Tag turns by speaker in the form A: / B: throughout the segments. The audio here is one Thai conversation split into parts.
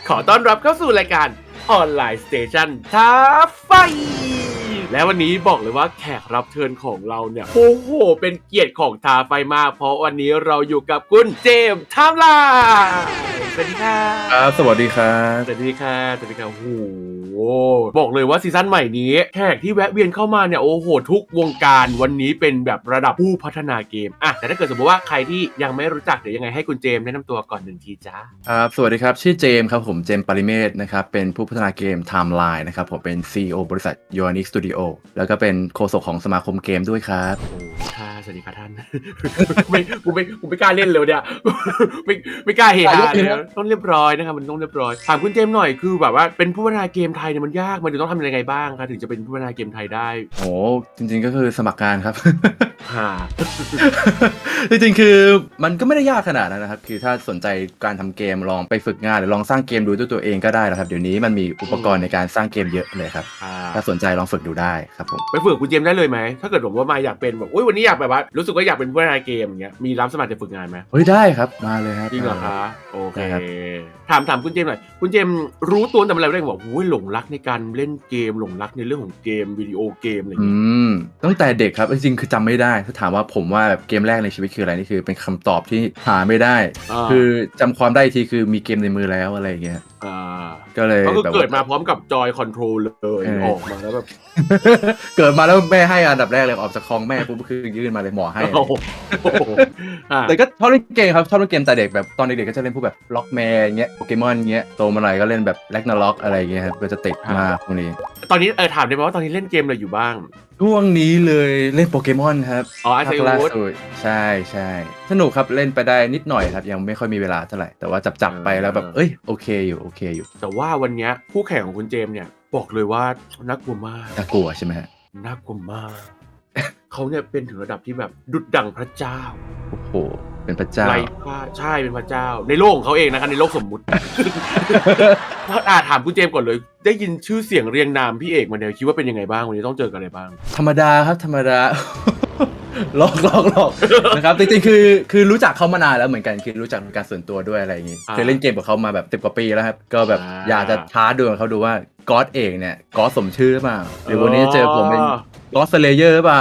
A: ขอต้อนรับเข้าสู่รายการออนไลน์สเตชันท้าไฟและวันนี้บอกเลยว่าแขกรับเชิญของเราเนี่ยโอ้โหเป็นเกียรติของท้าไฟมากเพราะวันนี้เราอยู่กับคุณเจมส์ไทม์ไลน์สวัสดีค่ะ
B: ครับสวัสดีครับ
A: สวัสดีค่ะสวัสดีค่ะโอ้โหบอกเลยว่าซีซั่นใหม่นี้แขกที่แวะเวียนเข้ามาเนี่ยโอ้โหทุกวงการวันนี้เป็นแบบระดับผู้พัฒนาเกมแต่ถ้าเกิดสมมติว่าใครที่ยังไม่รู้จักเดี๋ยวยังไงให้คุณเจมส์แนะนำตัวก่อน1 ทีจ้า
B: ครับสวัสดีครับชื่อเจมส์ครับผมเจมส์ปริเมศนะครับเป็นผู้พัฒนาเกม Timeline นะครับผมเป็น CEO บริษัท Yoanic Studio แล้วก็เป็นโฆษกของสมาคมเกมด้วยครับ
A: โอ้ค่ะสวัสดีค่ะท่าน กูไม่กล้าเล่นเลยเนี่ย ไม่กล้าเฮฮาเลยต้องเรียบร้อยนะครับมันต้องเรียบร้อยถามคุณเจมส์หน่อยคือแบบว่าเป็นผู้พัฒนาเกมไทยเนี่ยมันยากมันจะต้องทำยังไงบ้างคะถึงจะเป็นผู้พัฒนาเกมไทยได้
B: โอ้จริงๆก็คือสมัครงานครับ
A: ฮ่า
B: จริงๆคือมันก็ไม่ได้ยากขนาดนั้นนะครับคือถ้าสนใจการทำเกมลองไปฝึกงานหรือลองสร้างเกมดูด้วยตัวเองก็ได้นะครับเดี๋ยวนี้มันมีอุปกรณ์ในการสร้างเกมเยอะเลยครับถ้าสนใจลองฝึกดูได้ครับผม
A: ไปฝึกคุณเจมส์ได้เลยไหมถ้าเกิดผมว่ามาอยากเป็นแบบวันนี้อยากแบบว่ารู้สึกว่าอยากเป็นผู้พัฒนาเกมอย่างเงี้ยมีรับสมัครจะฝึกงานไหม
B: เฮ้ยได้ครับมาเลยครับ
A: จริงเหรอคะโอเค
B: ได้ครับ
A: ถามคุณเจมส์หน่อยคุณเจมส์รู้ตัวแต่เมื่อไหร่ได้บอกหลงรักในการเล่นเกมหลงรักในเรื่องของเกมวิดีโอเกมอะไรอย่างเงี้ย
B: มตั้งแต่เด็กครับจริงๆคือจำไม่ได้ถ้าถามว่าผมว่าแบบเกมแรกในชีวิตคืออะไรนี่คือเป็นคำตอบที่หาไม่ได้คือจำความได้อีกทีคือมีเกมในมือแล้วอะไรอย่างเงี้ยก็เลย
A: ก็คือ
B: แบบ
A: เกิดมาพร้อมกับจอยคอนโทรลเลยออกมาแล้วแบบ
B: เกิดมาแล้วแม่ให้อันดับแรกเลยออกจากคลองแม่ปุ๊บคือยื่นมาเลยหมอให้
A: โอ้โห
B: แต่ก็ชอบเล่นเกมครับชอบเล่นเกมแต่เด็กแบบตอนเด็กๆก็จะเล่นพวกแบบล็อกแมนเงี้ยโปเกมอนเงี้ยโตมาหน่อยก็เล่นแบบแร็กนาร็อกอะไรเงี้ยครับก็จะติดมากพวกนี้
A: ตอนนี้ถามได้ไหมว่าตอนนี้เล่นเกมอะไรอยู่บ้าง
B: ช่วงนี้เลยเล่นโปเกมอนครับ
A: อาร์เซ
B: ล่า
A: วูด
B: สุดใช่ใช่สนุกครับเล่นไปได้นิดหน่อยครับยังไม่ค่อยมีเวลาเท่าไหร่แต่ว่าจับไปแล้วแบบเอ้ยโอเคอยู่
A: แต่ว่าวันนี้คู่แข่งของคุณเจมส์เนี่ยบอกเลยว่าน่ากลัวมาก
B: น่ากลัวใช่ไหมฮะ
A: น่ากลัวมากเขาเนี่ยเป็นถึงระดับที่แบบดุจดั่งพระเจ้า
B: โอ้โหเป็นพระเจ้า
A: ไร้พ่ายใช่เป็นพระเจ้าในโลกของเขาเองนะครับในโลกสมมุติ ถามคุณเจมส์ก่อนเลยได้ยินชื่อเสียงเรียงนามพี่เอกมาเนี่ยคิดว่าเป็นยังไงบ้างวันนี้ต้องเจอกันอะไรบ้าง
B: ธรรมดาครับธรรมดา หลอกนะครับจริงๆคือรู้จักเขามานานแล้วเหมือนกันคือรู้จักเป็นการส่วนตัวด้วยอะไรอย่างงี้เคยเล่นเกมกับเขามาแบบ10 กว่าปีแล้วครับก็แบบอยากจะท้าดวลเขาดูว่าก๊อตเอกเนี่ยก๊อตสมชื่อหรือเปล่าหรือวันนี้เจอผมเป็นก๊อตสเลเยอร์หรือเปล่า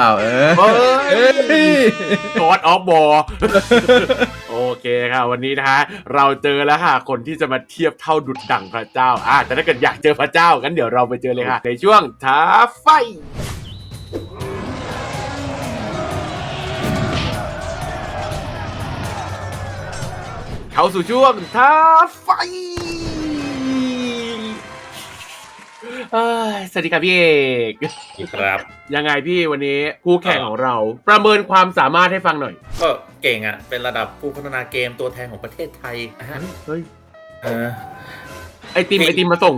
A: God of War โอเคค่ะวันนี้นะฮะเราเจอแล้วค่ะคนที่จะมาเทียบเท่าดุจดั่งพระเจ้าแต่ถ้าเกิดอยากเจอพระเจ้างั้นเดี๋ยวเราไปเจอเลยค่ะในช่วงท้าไฟเข้าสู่ช่วงท้าไฟสวัสดีครับพี่เอก
C: ครับ
A: ยังไงพี่วันนี้คู่แข่งของเราประเมินความสามารถให้ฟังหน่อย
C: ก็เก่งอ่ะเป็นระดับผู้พัฒนาเกมตัวแทนของประเทศไทยนะฮะ
A: เฮ้ย
C: เออ
A: ไอติมมาส่ง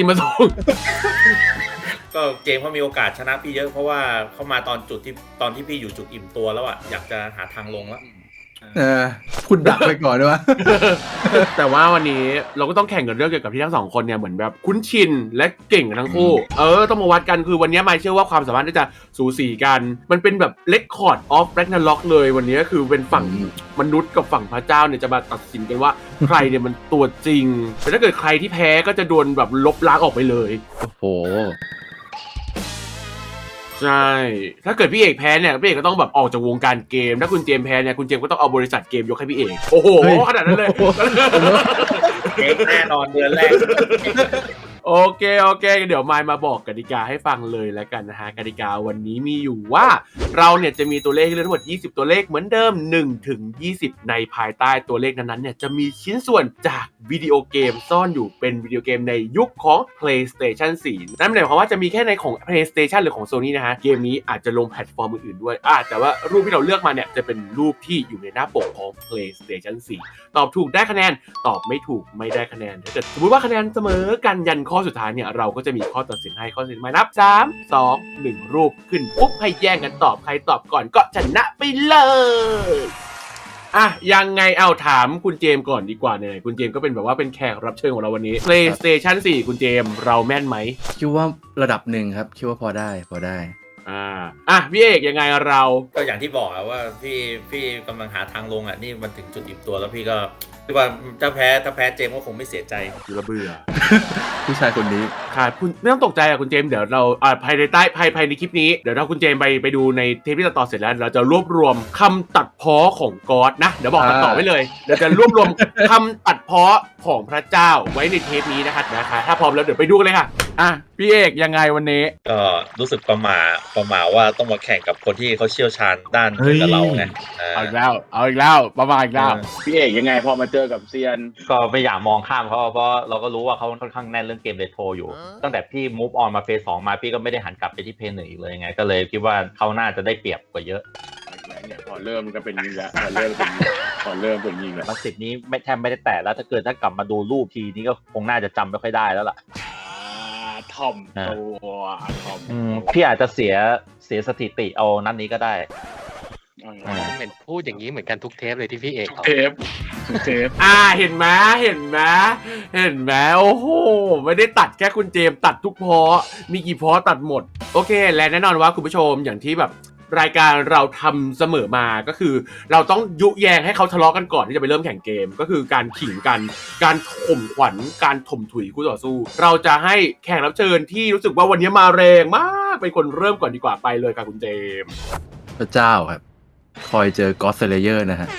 C: ก็เกมเขามีโอกาสชนะพี่เยอะเพราะว่าเขามาตอนที่พี่อยู่จุดอิ่มตัวแล้วอ่ะอยากจะหาทางลงแล้ว
B: พูดดักไปก่อนด้วย
A: แต่ว่าวันนี้เราก็ต้องแข่งกันเรื่องเกี่ยวกับที่ทั้งสองคนเนี่ยเหมือนแบบคุ้นชินและเก่งกันทั้งคู่ต้องมาวัดกันคือวันนี้ไม่เชื่อว่าความสามารถที่จะสูสีกันมันเป็นแบบ Record of Ragnarok เลยวันนี้ก็คือเป็นฝั่งมนุษย์กับฝั่งพระเจ้าเนี่ยจะมาตัดสินกันว่าใครเนี่ยมันตัวจริงแต่ถ้าเกิดใครที่แพ้ก็จะโดนแบบลบล้างออกไปเลย
B: โอ้โห
A: ใช่ถ้าเกิดพี่เอกแพ้เนี่ยพี่เอกก็ต้องแบบออกจากวงการเกมถ้าคุณเจมแพ้เนี่ยคุณเจมก็ต้องเอาบริษัทเกมยกให้พี่เอกโอ้โหขนาดนั้นเลย
C: เก่งแน่นอนเดือนแรก
A: โอเคเดี๋ยวมายมาบอกกติกาให้ฟังเลยแล้วกันนะฮะกติกาวันนี้มีอยู่ว่าเราเนี่ยจะมีตัวเลขให้เลือกทั้งหมด20ตัวเลขเหมือนเดิม1 ถึง 20ในภายใต้ตัวเลขนั้นๆเนี่ยจะมีชิ้นส่วนจากวิดีโอเกมซ่อนอยู่เป็นวิดีโอเกมในยุคของ PlayStation 4 นั่นหมายความว่าจะมีแค่ในของ PlayStation หรือของ Sony นะฮะเกมนี้อาจจะลงแพลตฟอร์มอื่นๆด้วยแต่ว่ารูปที่เราเลือกมาเนี่ยจะเป็นรูปที่อยู่ในหน้าปกของ PlayStation 4 ตอบถูกได้คะแนนตอบไม่ถูกไม่ได้คะแนนถ้าเกิดสมมติว่าคะแนนเสมอกันยันข้อสุดท้ายเนี่ยเราก็จะมีข้อตัดสินให้ข้อตัดสินมานับ3 2 1รูปขึ้นปุ๊บให้แย่งกันตอบใครตอบก่อนก็ชนะไปเลยยังไงเอาถามคุณเจมก่อนดีกว่าเนี่ยคุณเจมก็เป็นแบบว่าเป็นแขกรับเชิญของเราวันนี้ PlayStation 4 คุณเจมเราแม่นไหม
B: คิดว่าระดับหนึ่งครับคิดว่าพอได้
A: พี่เอกยังไงเรา
C: ก็อย่างที่บอกว่าพี่กำลังหาทางลงอ่ะนี่มันถึงจุดอิ่มตัวแล้วพี่ก็ที่ว่าถ้าแพ้เจมส์ก็คงไม่เสียใจ
A: อยู่ระเบื่อ
B: ผู้ชายคนนี้
A: ค่ะคุณไม่ต้องตกใจคุณเจมส์เดี๋ยวเราภายในภายในคลิปนี้เดี๋ยวถ้าคุณเจมส์ไปดูในเทปที่ตัดต่อเสร็จแล้วเราจะรวบรวมคำตัดพ้อของก๊อดนะเดี๋ยวบอกตัดต่อไว้เลยเดี๋ยวจะรวบรวมคำตัดพ้อของพระเจ้าไว้ในเทปนี้นะคะถ้าพร้อมแล้วเดี๋ยวไปดูกันเลยค่ะพี่เอกยังไงวันนี้
C: ก็รู้สึกประหม่าว่าต้องมาแข่งกับคนที่เขาเชี่ยวชาญด้านกับเราไง
A: เอาอีกแล้วประมาณอีกแล้ว
D: พี่เอกยังไงพอมาเจอกับเซียน
E: ก็ไม่อยากมองข้ามเขาเพราะเราก็รู้ว่าเขาค่อนข้างแน่นเรื่องเกมเรโทรอยู่ ตั้งแต่พี่ move on มาเฟส 2 มาพี่ก็ไม่ได้หันกลับไปที่เพย์1อีกเลยไงก็เลยคิดว่าเขาน่าจะได้เปรียบกว่าเยอะ
D: เนี่ยพอเริ่มก็เป็นยิงแล้วพอเริ่มเป็นยิงแล้ว
E: มาสิบนี้แทบไม่ได้แตะแล้วถ้ากลับมาดูรูปทีนี้ก็คงน่าจะจำไม่ค่อยได้แล้วล่ะ
D: ถ่อมตัวถ่อม
E: พี่อาจจะเสียสถิติเอานัดนี้ก็ได้
F: เหมือนพูดอย่างนี้เหมือนกันทุกเทปเลยที่พี่เอก
D: เทป
A: เห็นไหมโอ้โหไม่ได้ตัดแค่คุณเจมส์ตัดทุกเพาะมีกี่เพาะตัดหมดโอเคและแน่นอนว่าคุณผู้ชมอย่างที่แบบรายการเราทำเสมอมาก็คือเราต้องยุแยงให้เขาทะเลาะกันก่อนที่จะไปเริ่มแข่งเกมก็คือการขิงกันการข่มขวัญการถมถุยคู่ต่อสู้เราจะให้แขกรับเชิญที่รู้สึกว่าวันนี้มาแรงมากเป็นคนเริ่มก่อนดีกว่าไปเลยค่ะคุณเจมส์
B: พระเจ้าครับ คอยเจอก็อดสเลเยอร์นะฮะ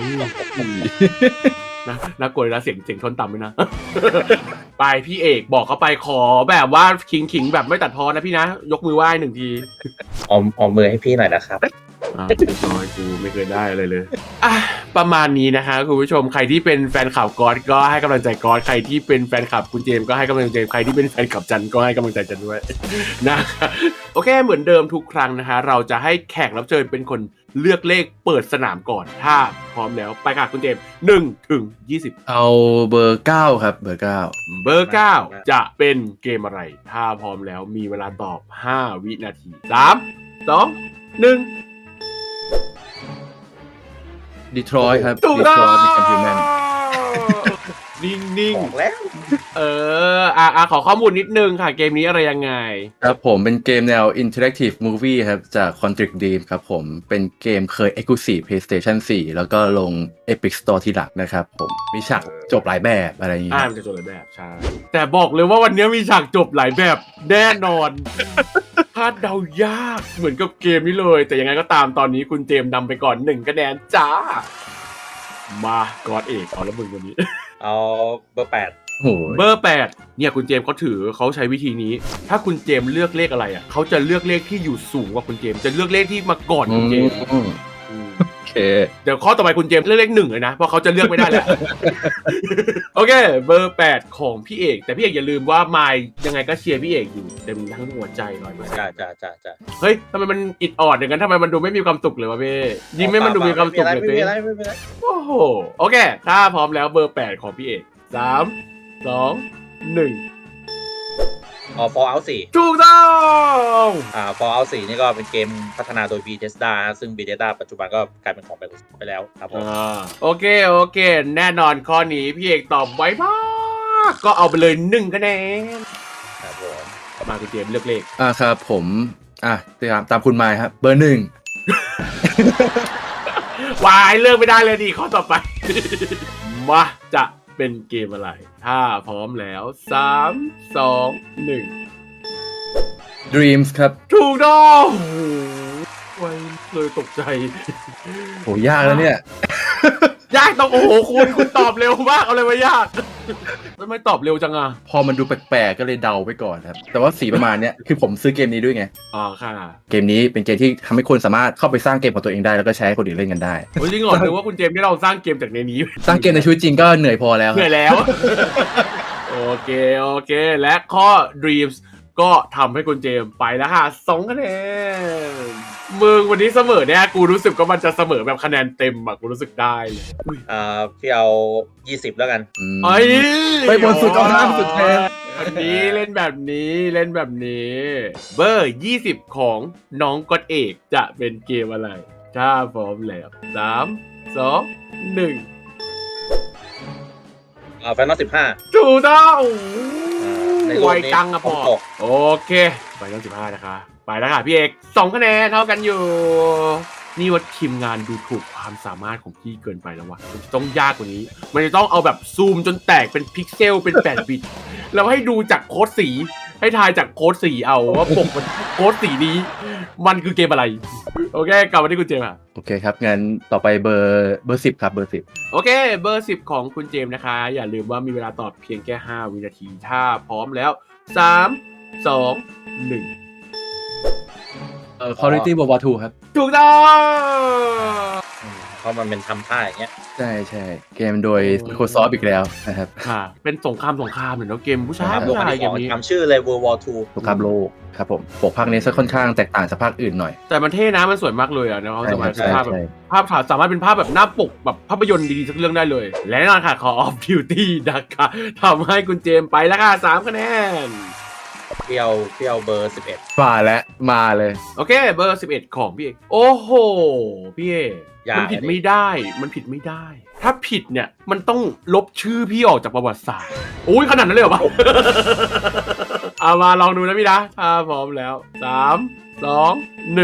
A: น่ากลัวนะเสียงทนต่ำเลยนะ ไปพี่เอกบอกเขาไปขอแบบว่าขิงแบบไม่ตัดพอนะพี่นะยกมือไหว้1 ที
C: ออมมือให้พี่หน่อยนะครับ
A: น้อยกูไม่เคยได้อะไรเลยประมาณนี้นะคะคุณผู้ชมใครที่เป็นแฟนข่าวก๊อตก็ให้กำลังใจก๊อตใครที่เป็นแฟนคลับคุณเจมส์ก็ให้กำลังใจใครที่เป็นแฟนคลับจันก็ให้กำลังใจจันด้วย นะโอเคเหมือนเดิมทุกครั้งนะคะเราจะให้แขกรับเชิญเป็นคนเลือกเลขเปิดสนามก่อนถ้าพร้อมแล้วไปค่ะคุณเจมส์1 ถึง 20
B: เอาเบอร์ 9 ครับเบอร์ 9
A: เบอร์ 9 จะเป็นเกมอะไรถ้าพร้อมแล้วมีเวลาตอบ5 วินาที3 2 1
B: ดีทรอยต์ครับ
A: ถูก
B: ดี
A: ต้อ
B: ทรอยต์เป็นแชม
A: ง
B: เปี้ยนแมน
A: นิ่ง
C: บอกแล้ว
A: ๆขอข้อมูลนิดนึงค่ะเกมนี้อะไรยังไง
B: ครับผมเป็นเกมแนว Interactive Movie ครับจาก Quantic Dream ครับผมเป็นเกมเคย Exclusive PlayStation 4 แล้วก็ลง Epic Store ที่หลักนะครับผมมีฉากจบหลายแบบอะไรอย่างเงี้ย
A: มันจะจบหลายแบบใช่แต่บอกเลยว่าวันนี้มีฉากจบหลายแบบแน่นอน คาดเดายากเหมือนกับเกมนี้เลย แต่ยังไงก็ตามตอนนี้คุณเจมส์นำไปก่อน1 คะแนนจ้า มากอดเอกเอาแล้วมึงวันนี้
C: เอาเบอร์ 8
B: โอ้โห
A: เบอร์ 8เนี่ยคุณเจมส์เขาใช้วิธีนี้ ถ้าคุณเจมส์เลือกเลขอะไรเขาจะเลือกเลขที่อยู่สูงกว่าคุณเจมส์จะเลือกเลขที่มาก่อนคุณเจมส์
B: โอเค
A: เดี๋ยวข้อต่อไปคุณเจมส์เลือกเลข1เลยนะเพราะเขาจะเลือกไม่ได้แล้ว โอเคเบอร์ 8 ของพี่เอกแต่พี่เอกอย่าลืมว่ามายยังไงก็เชียร์พี่เอกอยู่เต็มทั้งหัวใจ100%
C: จ้า
A: เฮ้ยทำไมมันอิดออดอย่างนั้นทำไมมันดูไม่มีความสุขเลยวะพี่ยิ้มให้มันดูมีความสุขเลย
C: ไม่
A: พี่
C: มีอะไร
A: โอ้โหโอเคถ้าพร้อมแล้วเบอร์ 8 ของพี่เอก3 2 1
C: Fallout 4
A: ถูกต้อง
C: Fallout 4 นี่ก็เป็นเกมพัฒนาโดย Bethesda ซึ่ง Bethesda ปัจจุบันก็กลายเป็นของ Microsoft ไปแล้วครับผม
A: โอเคแน่นอนข้อนี้พี่เอกตอบไวมากก็เอาไปเลย1 คะแนน
C: ครับผม
A: มาคุณเจมส์เลือกเลข
B: ครับผมตามคุณไมค์ครับเบอร์ 1
A: วายเลือกไม่ได้เลยดีข้อต่อไป มาจะเป็นเกมอะไร ถ้าพร้อมแล้ว3 2 1
B: Dreams ครับ
A: ถูกต้องโอ้โหไวเลยตกใจ
B: โหยากแล้วเนี่ย
A: ยากต้องโอ้โหคุณตอบเร็วมากเอาเลยว่ายากไม่ตอบเร็วจังอ่ะ
B: พอมันดูแปลกๆก็เลยเดาไปก่อนครับ แต่ว่าสีประมาณเนี้ยคือผมซื้อเกมนี้ด้วยไง
A: อ๋อค่ะ
B: เกมนี้เป็นเกมที่ทำให้คนสามารถเข้าไปสร้างเกมของตัวเองได้แล้วก็แชร์ให้คนอื่นเล่นกันได้
A: โอ้ยจริงเหรอถือว่าคุณเจมส์ที่เราสร้างเกมจากในนี้
B: สร้างเกมในชีวิตจริงก็เหนื่อยพอแล้ว
A: เหนื่อยแล้ว โอเคและข้อ Dreams ก็ทำให้คุณเจมส์ไปแล้วค่ะ2 คะแนนมึงวันนี้เสมอเนี่ยกูรู้สึกว่ามันจะเสมอแบบคะแนนเต็มอะกูรู้สึกได้เลยอุ๊ย
C: พี่เอา 20 แล้วกัน
A: ไอ้
B: ไปบนสุดเอาหน้าสุดแทน
A: แบบนี้เล่นแบบนี้เบอร์ 20 ของน้องก๊อตเอกจะเป็นเกมอะไรถ้าพร้อมแล้ว3 2 1
C: Final 15
A: ถูกต้อง
C: ในรูป
A: ไว
C: นี้
A: จังอะพ่อ
C: ผมตก
A: โอเคไปเรื่อง15นะคะไปแล้วค่ะพี่เอก2 คะแนนเท่ากันอยู่นี่ว่าทีมงานดูถูกความสามารถของพี่เกินไปแล้ววะมันจะต้องยากกว่านี้ มันจะต้องเอาแบบซูมจนแตกเป็นพิกเซลเป็น8 บิตแล้วให้ดูจากโค้ดสีให้ทายจากโค้ดสีเอาว่าปกมันโค้ดสีนี้มันคือเกมอะไร โอเคกลับมาที่คุณเจมส์ค่ะ
B: โอเคครับงั้นต่อไปเบอร์10ครับเบอร์10
A: โอเคเบอร์10ของคุณเจมส์นะคะ อย่าลืมว่ามีเวลาตอบเพียงแค่5 วินาทีถ้าพร้อมแล้ว 3 2 1
B: Quality World War 2ครับ
A: ถูกต้อง
C: เพราะมันเป็นทำท่าอย่างเงี้ย
B: ใช่ใช่เกมโดย Microsoft อีกแล้วนะครับ
A: ค่ะ เป็นสงครามเหมือนเนาะเกมผู้ชาย
C: โล
A: ผู้
C: กอัน
A: ชาย
C: ที่
A: เก
C: สอ
A: ม
C: ง
A: นี้
C: จำชื่อเลย World War II
B: สงครามโลกครับผมปกภาคนี้จะค่อนข้างแตกต่างจากภาคอื่นหน่อย
A: แต่มันเท่นะมันสวยมากเลยอ่ะเนาะสามารถเป็นภาพแบบ
B: ใช่
A: ภาพถ่ายสามารถเป็นภาพแบบหน้าปกแบบภาพยนตร์ดีๆสักเรื่องได้เลย และแน่นอนค่ะ Call of Duty นะคะทำให้คุณเจมส์ไปแล้วค่ะ3 คะแนน
C: เปรี้ยวเบอร์ 11
B: มาเลย
A: โอเคเบอร์11ของพี่เอกโอ้โหพี่เอก
C: ยาก
A: มันผิดไม่ได้ มันผิดไม่ได้ ถ้าผิดเนี่ยมันต้องลบชื่อพี่ออกจากประวัติศาสตร์อุ้ยขนาดนั้นเลยเหรอวะ เอามาลองดูนะพี่นะถ้าพร้อมแล้ว3 2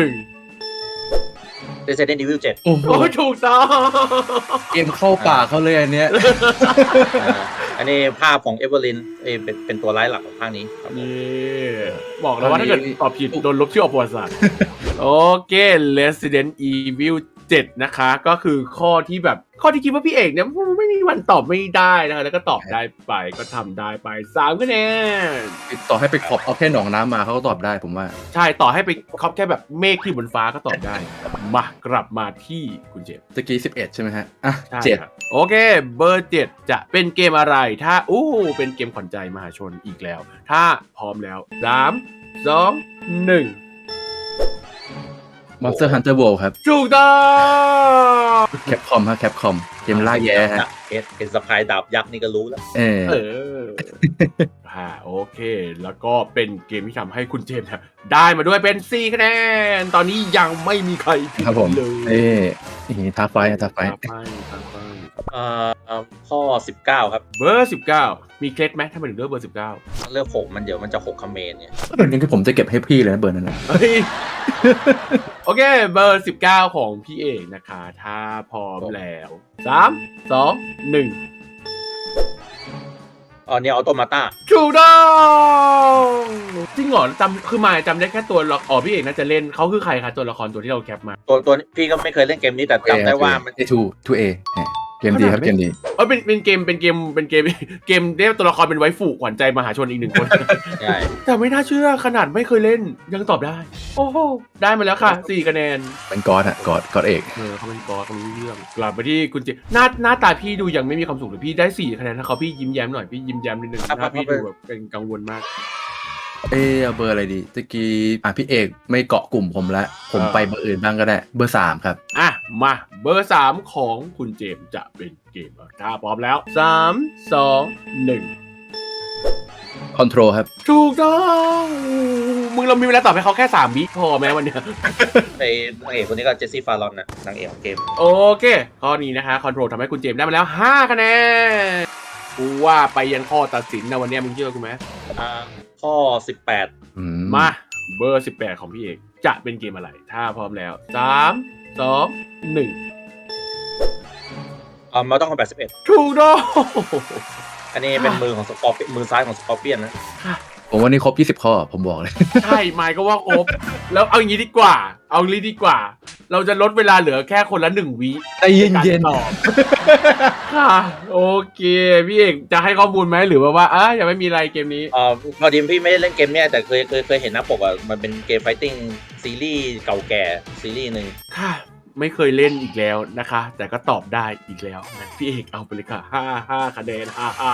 A: 1
C: Resident Evil 7
B: โอ้โห
A: โอ้ยถูกต้อง
B: เกมเข้าป่ากเขาเลยอันเนี้ย
C: อันนี้ภาพของเอเวอร์ลินเป็นตัวร้ายหลักของภาคนี้ครับผม
A: นี่บอกแล้วว่าถ้าเกิดตอบผิดโดนลบชื่อออกประวัติศาสตร์ โอเค Resident Evil 7 นะคะ ก็คือข้อที่คิดว่าพี่เอกเนี่ยไม่มีวันตอบไม่ได้นะคะแล้วก็ตอบได้ไปก็ทำได้ไป3 คะแนน
B: ต่อให้ไปขอบเอาแค่หนองน้ำมาเขาก็ตอบได้ผมว่า
A: ใช่ต่อให้ไปครอบแค่แบบเมฆที่บนฟ้าก็ตอบได้ มากลับมาที่คุณเจมส์
B: ตะกี้11 ใช่ไหมฮะอ่ะ
A: ใช่
B: 7
A: ครับโอเคเบอร์ 7 จะเป็นเกมอะไรถ้าเป็นเกมขวัญใจมหาชนอีกแล้ว ถ้าพร้อมแล้ว3 2 1
B: Monster Hunter World ครับ
A: ถูกต้อง
B: แคปคอมฮะแคปคอมเกมล่าแย้ฮะ
C: เห็นสะพายดาบยักษ์นี่ก็รู้แล้ว
B: เออ
A: โอเค แล้วก็เป็นเกมที่ทำให้คุณเจมส์เนี่ยได้มาด้วยเป็น4 คะแนน ตอนนี้ยังไม่มีใครผิด
B: ครับผม
A: เลย
B: นี่ท้าไฟ
A: ตาไฟ
C: ข้อ 19 ครับ
A: เบอร์ 19 มีเคล็ดไหมถ้ามันถึงเลือกเบอร์ 19
C: เลือก6มันเดี๋ยวมันจะ6คอมเมนต์เนี่ย
B: งั้นที่ผมจะเก็บให้พี่เลยนะเบอร์นั้นนะ
A: เฮ้ย โอเค เบอร์ 19 ของพี่เอกนะคะ ถ้าพร้อมแล้ว3 2 1
C: เนี่ยออโตมาต้า
A: ถูกต้องจริงเหรอคือมายจำได้แค่ตัวละครพี่เอกน่าจะเล่นเขาคือใครคะตัวละครตัวที่เราแคปมา
C: ตัวพี่ก็ไม่เคยเล่นเกมนี้แต่จำได้ว่ามัน
B: 2A เกมดีครับเกมดี
A: เป็นเกมเรียกตัวละครเป็นไวฟูขวัญใจมหาชนอีก 1 คน
C: ใช่
A: แต่ไม่น่าเชื่อขนาดไม่เคยเล่นยังตอบได้ โอ้โหได้มาแล้วค่ะ4 คะแนน
B: เป็นกอดอะกอดเอก
A: เขาเป็นกอเขารู้เรื่องกลับไปที่คุณเจหน้าตาพี่ดูยังไม่มีความสุขเลยพี่ได้4 คะแนนถ้าเขาพี่ยิ้มแย้มหน่อยพี่ยิ้มแย้มนิดนึงถ้าพี่ดูแบบเป็นกังวลมาก
B: เอาเบอร์อะไรดีตะกี้พี่เอกไม่เกาะกลุ่มผมละผมไปเบอร์อื่นบ้างก็ได้เบอร์3ครับ
A: มาเบอร์ 3 ของคุณเจมส์จะเป็นเกมอะไรถ้าพร้อมแล้ว3 2 1
B: Control ครับ
A: ถูกต้องมึงเรามีเวลาตอบให้เขาแค่3 วิพอไหมวันเนี้ย
C: ในนางเอกคนนี้ก็เจสซี่ฟารอนนะนางเอกของเกม
A: โอเค ข้อนี้นะคะคอนโทรลทำให้คุณเจมส์ได้มาแล้ว5 คะแนนกูว่าไปยันข้อตัดสินนะวันเนี้ยมึงเชื่อกูไหม
C: ข้อ 18
A: มาเบอร์ 18 ของพี่เอกจะเป็นเกมอะไร ถ้าพร้อมแล้ว3 2 1
C: มาต้องคอมแบท11
A: ถูกต้อง
C: อันนี้เป็นมือของสกอร์มือซ้ายของสกอร์เปียนนะ
B: ผมว่านี่ครบ20 ข้อผมบอกเลย
A: ใช่ไมค์ก็ว่าครบ แล้วเอาอย่างนี้ดีกว่า เราจะลดเวลาเหลือแค่คนละ1 วิ
B: ใจเย็น
A: ๆตอบค่ะโอเค พี่เอกจะให้ข้อมูลไหมหรือว่ายังไม่มีอะไรเกมนี้
C: พอดีพี่ไม่ได้เล่นเกมเนี้ยแต่เคยเห็นหน้าปกอ่ะมันเป็นเกมไฟติ้งซีรีส์เก่าแก่ซีรีส์หนึ่ง
A: ค่ะ ไม่เคยเล่นอีกแล้วนะคะ แต่ก็ตอบได้อีกแล้วงั้นพี่เอกเอาไปเลยค่ะ5 คะแนน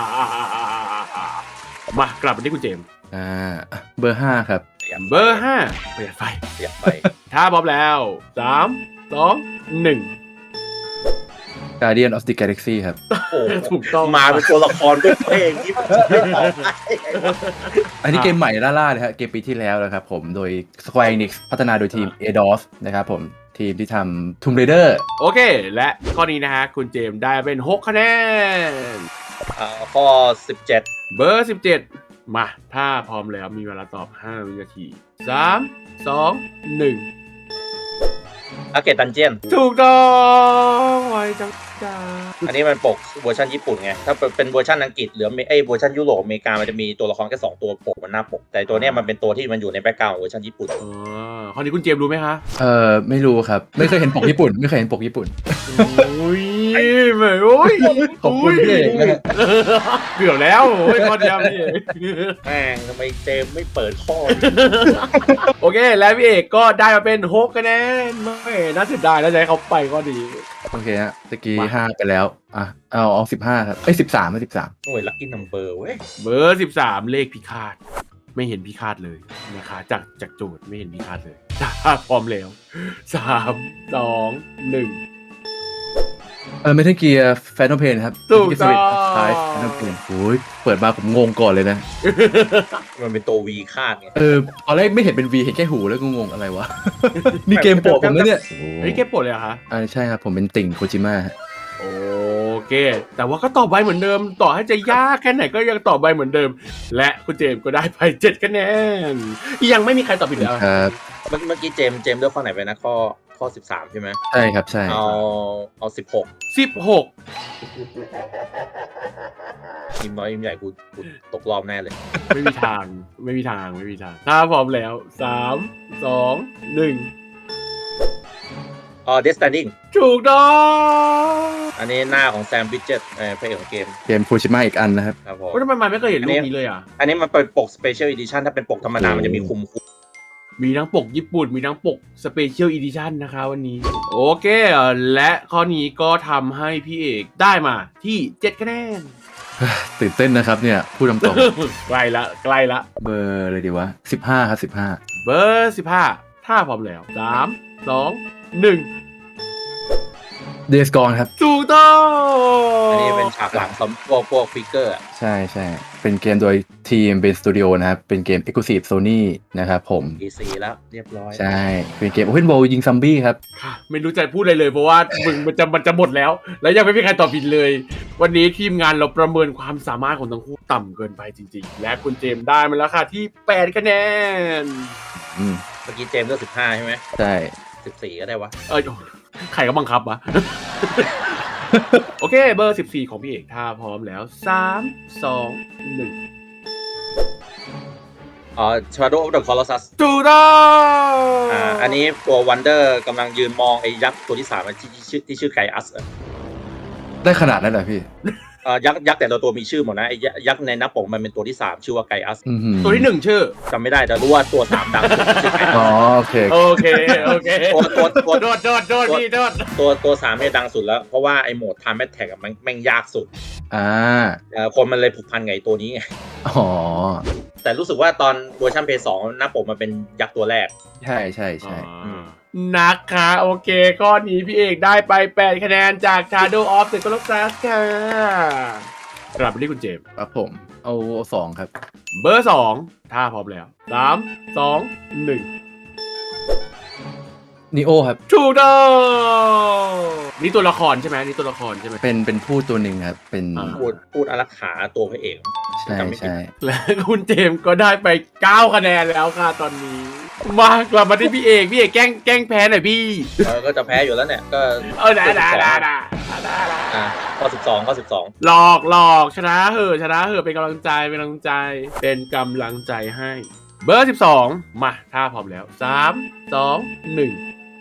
A: มากลับมาที่คุณเจมส์
B: เบอร์5ครับ
A: เบอร์5ประหยัดไฟ
C: อยากไป
A: ถ้าพร้อมแล้ว3 2 1
B: Guardian of the Galaxy ครับ
C: โอ้
A: ถูกต้อง
C: มาเป็นตัวละครด้วยเพลงที่ไม่ตอบได้
B: อันนี้เกมใหม่ล่าๆเลยครับเกมปีที่แล้วนะครับผมโดย Square Enix พัฒนาโดยทีม Eidos นะครับผมทีมที่ทำ Tomb Raider
A: โอเค และข้อนี้นะฮะคุณเจมส์ได้เป็น6 คะแนน
C: ข้อ 17
A: เบอร์ 17 มาถ้าพร้อมแล้วมีเวลาตอบ5 วินาที3 2 1
C: อาเกตดันเจียน
A: ถูกต้องไวจังจ้า
C: อันนี้มันปกเวอร์ชันญี่ปุ่นไง ถ้าเป็นเวอร์ชันอังกฤษหรือเวอร์ชันยุโรปอเมริกามันจะมีตัวละครแค่2ตัวปกบนหน้าปก แต่ตัวเนี้ยมันเป็นตัวที่มันอยู่ในแบ็คกราวด์ของเวอร์ชันญี่ปุ่น
A: อ๋อข้อนี้คุณเจมส์รู้ไหมคะ
B: ไม่รู้ครับ ไม่เคยเห็นปกญี่ปุ่น ไม่เคยเห็นปกญี่ปุ่น
A: โอ้ยไม่โอ้ย
B: ขอบคุณพี่เอกนะฮะ
A: เกือบแล้วโอ้ยข้อเดียวพี่เอก
C: แม่งทำไมเจมไม่เปิดข้อ
A: โอเค แล้วพี่เอกก็ได้มาเป็น6คะแนนไม่น่าเสียดายแล้วจะให้เขาไปก็ดี
B: โอเคฮะตะกี้5ไปแล้วเอา15ครับ13ไม่13
C: หน่วยลัคกี้นัมเบอร์เว้ย
A: เบอร์13เลขพิฆาตไม่เห็นพิฆาตเลยนะคะจากโจทย์ไม่เห็นพิฆาตเลยถ้าพร้อมแล้ว3 2 1
B: เมทัลเกียร์แฟนตอมเพนครับ
A: ถูกต้อง
B: ท้ายแฟนตอมเพนโอ้ยเปิดมาผมงงก่อนเลยนะ
C: มันเป็นตัววีคาดไง
B: ตอนแรกไม่เห็นเป็น V เห็นแค่หูแล้วก็งงอะไรวะ นี่เกมโปรดผมนะเนี่ย
A: เฮ้ยเก็บปลดเลยเหรอคะ
B: ใช่ครับผมเป็นติ่งโคจิมะ
A: โอเค แต่ว่าก็ตอบไวเหมือนเดิม ต่อให้จะยากแค่ไหนก็ยังตอบไวเหมือนเดิม และคุณเจมส์ก็ได้ไป7คะแนนยังไม่มีใครตอบผิดแล้ว
B: ครับ
C: เมื่อกี้เจมเลือกข้อไหนไปนะข้อ13ใช่ไหม
B: ใช่ครับใช่
C: เอา16
A: 16
C: ทีมน้อยทีมใหญ่กูตกรอบแน่เลย
A: ไม่มีทางไม่มีทางถ้าพร้อมแล้ว3 2 1
C: Death Stranding
A: ถูกต้อง
C: อันนี้หน้าของแซมบิ d เจตพระเอกของเกม
B: เกมโคจิมะอีกอันนะครับ
C: ครับผม
A: ว่าทำไมมันไม่เคยเห็นรูปนี้เลยอ่ะ
C: อันนี้มันเป็นปก Special Edition ถ้าเป็นปกธรรมดามันจะมีคุม
A: มีทั้งปกญี่ปุ่น มีทั้งปกสเปเชียลอีดิชั่นนะคะวันนี้ โอเค และข้อนี้ก็ทำให้พี่เอกได้มาที่7คะแนน
B: ตื่นเต้นนะครับเนี่ยพูดตรง
A: ใกล้ละ
B: ๆเบอร์เลยดีวะ15ครับ15
A: เบอร์15ถ้าพร้อมแล้ว3 2 1
B: เดสกอนครับ
A: ถูกต้อง
C: อันนี้เป็นฉากหลังพวกฟิกเกอร์
B: ใช่ใช่เป็นเกมโดยทีมเบนสตูดิโอนะครับ เป็นเกม Exclusive Sony นะครับผม
C: DC แล้วเรียบร้อย
B: ใช่ เป็นเกม Open World ยิงซัมบี้ครับ
A: ค่ะไม่รู้จะพูดอะไรเลยเพราะว่ามันจะหมดแล้ว แล้วยังไม่มีใครตอบผิดเลย วันนี้ทีมงานเราประเมินความสามารถของทั้งคู่ต่ำเกินไปจริงๆ และคุณเจมส์ได้มาแล้วค่ะที่8คะแนน
C: เมื่อกี้เจมเลือก15ใช่ไหม
B: ใช่
C: 14ก็ได้วะ
A: ใครก็บังคับวะ โอเค เบอร์14ของพี่เอกถ้าพร้อมแล้ว3 2 1
C: Shadow of the Colossus
A: ถูกต้อง
C: อันนี้ตัว Wonder กำลังยืนมองไอ้ยักษ์ตัวที่3ที่ชื่อไกอัส
B: ได้ขนาดนั้นเหรอพี่
C: ยักษ์แต่ละตัวมีชื่อหมดนะไอ้ยักษ์ในหน้าปกมันเป็นตัวที่3ชื่อว่าไกอัส
A: ตัวที่1ชื่อ
C: จำไม่ได้แต่รู้ว่าตัว3ดังสุดชื่อไกอัส
B: อ๋อโอเค
A: โอเค
C: ตัว
A: โดดพี่โดด
C: ตัว3เนี่ยดังสุดแล้วเพราะว่าไอ้โหมด Time Attack มันแม่งยากสุด คนมันเลยผูกพันกับไอ้ตัวนี้ไง
B: อ๋อ
C: แต่รู้สึกว่าตอนเวอร์ชัน PS2 หน้าปกมันเป็นยักษ์ตัวแรก
B: ใช่ใช่ใช่
A: นะคะโอเคข้อนี้พี่เอกได้ไป8คะแนนจาก Shadow of the Colossus ค่ะกลับไปที่คุณเจมส์
B: ครับผม เอา2ครับ
A: เบอร์2ถ้าพร้อมแล้ว3 2 1
B: นิโอครับ
A: ถูกต้องนี่ตัวละครใช่ไหมนี่ตัวละครใช่ไหม
B: เป็นผู้ตัวหนึ่งครับ เป็น
C: พูดอารักขาตัวพระเอก
B: ใช่ใช่
A: และคุณเจมส์ก็ได้ไป9คะแนนแล้วค่ะตอนนี้มากลับมาที่พี่เอกแกล้งแพ้หน่อยพี่
C: ก็จะแพ้อยู่แล้วเนี่ยก็
A: ได้
C: ข้อ12
A: หลอกชนะเหอะเป็นกำลังใจเป็นกำลังใจให้เบอร์12มาถ้าพร้อมแล้ว3 2 1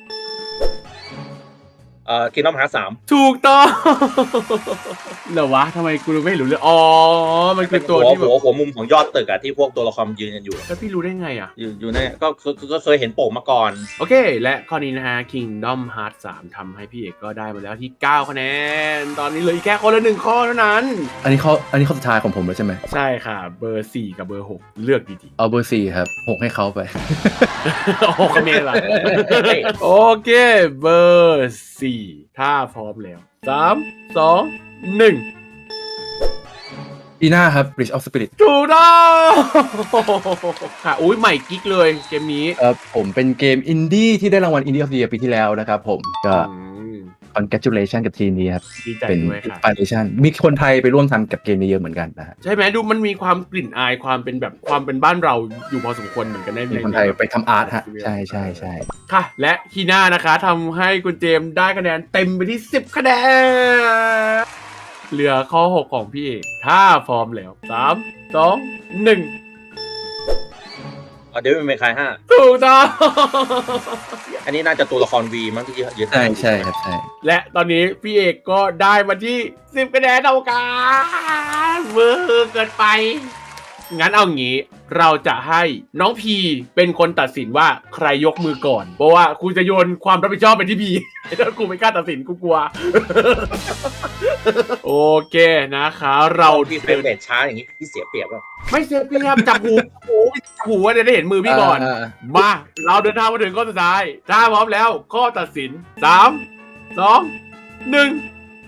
C: Kingdom Hearts 3
A: ถูกต้องเหรอวะทำไมกูไม่รู้เลยอ๋อมันคือตัวที่แบบ
C: หัวมุมของยอดตึกอะที่พวกตัวละครยืนกันอยู่
A: แล้วพี่รู้ได้ไงอ่ะ
C: อยู่ในก็เคยเห็นโป่งมาก่อน
A: โอเค และข้อนี้นะฮะ Kingdom Hearts 3ทำให้พี่เอกก็ได้มาแล้วที่9คะแนนตอนนี้เหลืออีกแค่คนละ1ข้อเท่านั้น
B: อันนี้ข้อสุดท้ายของผมแล้วใช่ไหม
A: ใช่ค่ะเบอร์4กับเบอร์6เลือกดี
B: เอาเบอร์4ครับ6ให้เขาไป
A: ๆ6คะแนนละโอเคเบอร์4ถ้าพร้อมแล้ว3 2 1
B: ปีหน้าครับ Bridge of Spirit
A: ถูกต้องค่ะอุ้ยใหม่กิ๊กเลยเกมนี้
B: ผมเป็นเกมอินดี้ที่ได้รางวัล Indie of the Year ปีที่แล้วนะครับผมก็
A: อืม
B: congratulation กับทีมนี้ครับ
A: ดีใจ
B: เป็น
A: ด้วยค่ะ
B: inspiration มีคนไทยไปร่วมทำกับเกมนี้เยอะเหมือนกันนะฮะ
A: ใช่ไหมดูมันมีความกลิ่นอายความเป็นแบบความเป็นบ้านเราอยู่พอสมควรเหมือนกันใน
B: มีคนไทยไปทำอาร์ตฮะใช่ใช่ใช่
A: ค่ะ และคีน่านะคะทำให้คุณเจมส์ได้คะแนนเต็มไปที่ 10 คะแนน เหลือข้อ 6 ของพี่เอกถ้าพร้อมแล้ว 3 2 1
C: เดวิดเมคาย5
A: ถูกต้อง
C: อันนี้น่าจะตัวละครวีมั้งที่ยึด
B: ใช่ใช่ครับใช่
A: และตอนนี้พี่เอกก็ได้มาที่ 10 คะแนนเท่ากันเวอร์เกินไป งั้นเอางี้เราจะให้น้องพีเป็นคนตัดสินว่าใครยกมือก่อน เพราะว่ากูจะโยนความรับผิดชอบไปที่พีแล้วกูไม่กล้าตัดสินกูกลัว โอเคนะคะเรา
C: พี่เฟรมเรทช้าอย่างนี้พี่เสียเปรียบป่ะ
A: ไม่เสียเปรียบจับหูจับหูว่าจะได้เห็นมือพี่ก่อน มาเราเดินทางมาถึงข้อสุดท้ายถ้าพร้อมแล้วข้อตัดสิน 3 2 1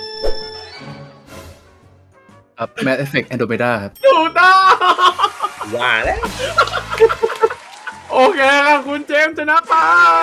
B: ครับ Mass Effect Andromeda ครับ
A: ถูกต้อง
C: ว่าแล้ว
A: โอเคครับคุณเจมส์ชนะไป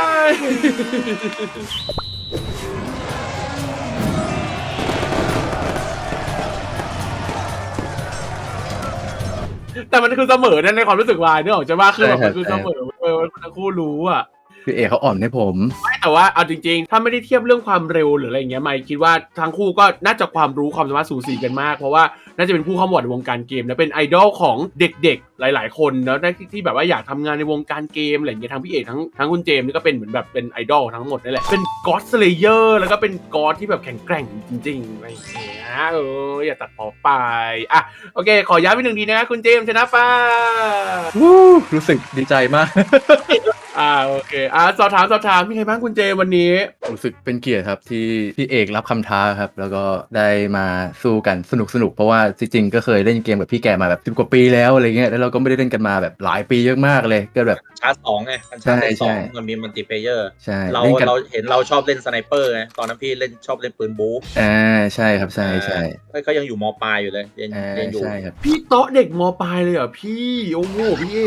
A: แต่มันคือเสมอนะในความรู้สึกวายนึกออกใช่ป่ะคือแบบมันคือเสมอทั้งคู่รู้อ่ะ
B: คือเอกเขาอ่อนให้ผม
A: ไม่แต่ว่าเอาจริงๆ ถ้าไม่ได้เทียบเรื่องความเร็วหรืออะไรอย่างเงี้ยไม่คิดว่าทั้งคู่ก็น่าจะความรู้ความสามารถสูสีกันมาก เพราะว่าน่าจะเป็นผู้เข้ามาในวงการเกมและเป็นไอดอลของเด็กๆหลายๆคนแล้วที่แบบว่าอยากทำงานในวงการเกมอะไรอย่างเงี้ยทั้งพี่เอกทั้งคุณเจมส์นี่ก็เป็นเหมือนแบบเป็นไอดอลทั้งหมดนั่นแหละเป็นก็อดสเลเยอร์แล้วก็เป็นก็อดที่แบบแข็งแกร่งจริงๆอะไรอย่างเงี้ยอย่าตัดพอไปอ่ะโอเคขอย้ำอีกหนึ่งทีนะคุณเจมส์ชนะไป
B: รู้สึกดีใจมาก
A: โอเคสอบถามมีใครบ้างคุณเจวันนี้
B: รู้สึกเป็นเกียรติครับที่พี่เอกรับคำท้าครับ แล้วก็ได้มาสู้กันสนุกเพราะว่าจริงๆก็เคยเล่นเกมกับพี่แกมาแบบ10 กว่าปีแล้วอะไรเงี้ยแล้วเราก็ไม่ได้เล่นกันมาแบบหลายปีมากๆเลยก็แบบ
C: ชาร์จ2ไงมันชาร์จสองมันมีมัลติเพลเยอร์
B: ใช่
C: เรา
B: เล่นกัน
C: เห็นเราชอบเล่นสไนเปอร์ไงตอนนั้นพี่ชอบเล่นปืนบู๊
B: ใช่ครับใช่ใช่
C: เขายังอยู่มปลายอยู่เลยเรียนอยู่
B: ใช่ครับ
A: พี่โต๊ะเด็กมปลายเลยเหรอพี่โอ้โหพี่เอก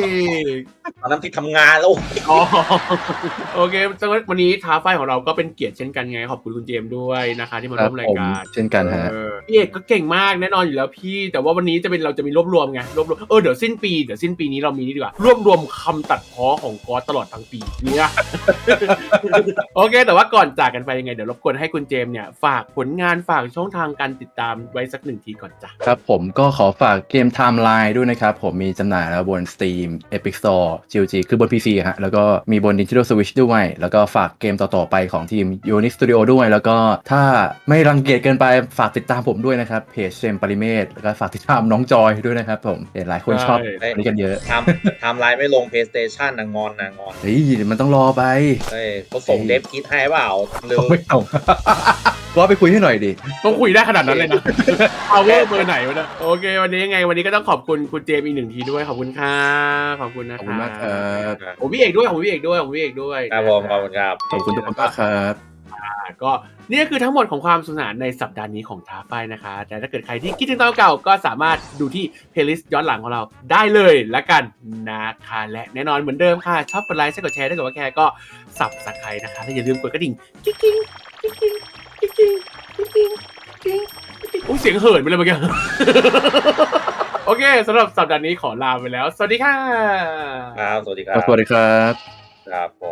C: ตอนนั้นพี่ทำงานแล้ว
A: อ๋อโอเควันนี้ท้าไฟของเราก็เป็นเกียรติเช่นกันไงขอบคุณคุณเจมส์ด้วยนะคะที่มาร่วมรายการ
B: เช่นกันฮะ
A: พี่เอกก็เก่งมากแน่นอนอยู่แล้วพี่แต่ว่าวันนี้เราจะมีรวบรวมไงรวบรวมเดี๋ยวสิ้นปีนี้เรามีนี่ดีกว่ารวบรวมคำตัดพ้อของก๊อตตลอดทั้งปีเนี่ย โอเคแต่ว่าก่อนจากกันไปยังไงเดี๋ยวรบกวนให้คุณเจมส์เนี่ยฝากผลงานฝากช่องทางการติดตามไว้สัก1 ทีก่อนจ้ะ
B: ครับผมก็ขอฝากเกม Timeline ด้วยนะครับ ผมมีจำหน่ายแล้วบน Steam Epic Store GOG คือบน PC ฮะแล้วก็มีบน Nintendo Switch ด้วยแล้วก็ฝากเกมต่อๆไปของทีม Unix Studio ด้วยแล้วก็ถ้าไม่รังเกียจเกินไปฝากติดตามผมด้วยนะครับเพจเจมส์ปริเมศแล้วก็ฝากติดตามน้องจอยด้วยนะครับผมเห็นหลายคนชอบอันนี้กันเยอะ
C: ทำไลน์ไม่ลง PlayStation นะงอน
B: เฮ้ยมันต้องรอไป
C: เฮ้ยเขาส่งเดฟคิดให้เปล่าเร็ว
B: ไม่เอา ก็ไปคุยให้หน่อยดิ
A: ต้องคุยได้ขนาดนั้นเลยนะ เอาเวอร์เบอร์ไหนวะเนี่ยโอเควันนี้ยังไงวันนี้ก็ต้องขอบคุณคุณเจมส์อีก1 ทีด้วยขอบคุณค่ะขอบคุณนะ
B: ขอบคุณมากครับ
A: ผมพี่เอกด้วยผมพี่เอกด้วย
C: ครับผมขอบคุณครับ
B: ขอบคุณทุกคนมากครับ
A: ก็นี่คือทั้งหมดของความสนุกสนานในสัปดาห์นี้ของท้าไฟนะคะแต่ถ้าเกิดใครที่คิดถึงตอนเก่าก็สามารถดูที่เพลย์ลิสต์ย้อนหลังของเราได้เลยละกันนะคะและแน่นอนเหมือนเดิมค่ะชอบกดไลค์กดแชร์ถ้าเกิดว่าแคร์ก็Subscribeนะคะและอย่าลืมกดกระดิ่งกิ๊งกิ๊งกิ๊งกิ๊งกิ๊งกิ๊งกิ๊งกิ๊งโอ้เสียงเหินไปเลยเมื่อกี้ โอเคสำหรับสัปดาห์นี้ขอลาไปแล้วสวัสดีค่ะ
C: ครับสวัสดีครับ
B: สวัสดีครับ
C: ครับผม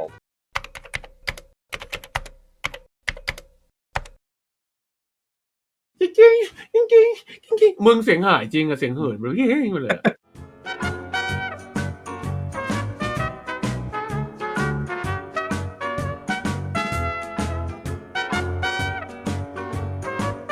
A: กิ๊งกิ๊งกิ๊งกิ๊งกิ๊งมึงเสียงหายจริงอะเสียงเหินไปเลย